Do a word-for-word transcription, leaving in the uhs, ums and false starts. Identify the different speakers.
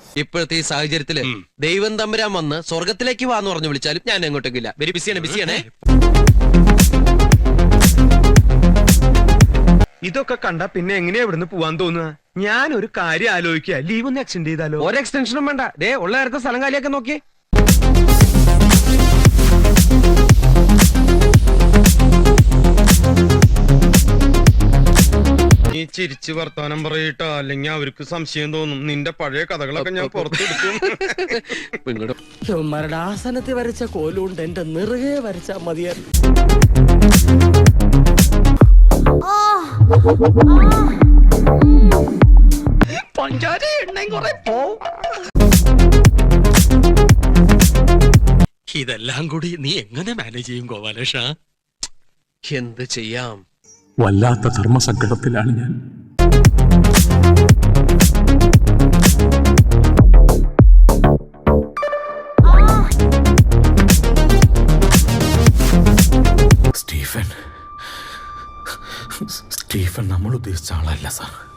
Speaker 1: ഇപ്പോഴത്തെ ഈ സാഹചര്യത്തില് ദൈവം തമ്പുരാൻ വന്ന് സ്വർഗത്തിലേക്ക് വാന്ന് പറഞ്ഞു വിളിച്ചാലും ഞാൻ എങ്ങോട്ടേക്കില്ല. വെരി ബിസിയാണ് ബിസിയാണേ.
Speaker 2: ഇതൊക്കെ കണ്ട പിന്നെ എങ്ങനെയാ ഇവിടുന്ന് പോവാൻ തോന്നുക? ഞാൻ ഒരു കാര്യം ആലോചിക്കുക, ലീവ് ഒന്ന് എക്സ്റ്റെൻഡ് ചെയ്താലോ?
Speaker 3: ഒരു എക്സ്റ്റൻഷനും വേണ്ട. ദേ ഉള്ള നേരത്തെ സ്ഥലം കാലിയൊക്കെ നോക്കി.
Speaker 2: നീ ചിരിച്ച് വർത്താനം പറയട്ടാ, അല്ലെങ്കിൽ അവർക്ക് സംശയം തോന്നും. നിന്റെ പഴയ കഥകളൊക്കെ ഞാൻ പുറത്തെടുക്കും.
Speaker 3: ഇവന്മാരുടെ ആസനത്തിൽ വരച്ച കോലുകൊണ്ട് എന്റെ നിറുകെ വരച്ചാ മതിയായിരുന്നു. പഞ്ചാര എണ്ണയും കുറെ പോവും.
Speaker 1: ഇതെല്ലാം കൂടി നീ എങ്ങനെ മാനേജ് ചെയ്യും ഗോപാലേഷ? എന്ത് ചെയ്യാം?
Speaker 4: വല്ലാത്ത ധർമ്മസങ്കടത്തിലാണ് ഞാൻ.
Speaker 5: സ്റ്റീഫൻ സ്റ്റീഫൻ നമ്മൾ ഉദ്ദേശിച്ച ആളല്ല സാർ.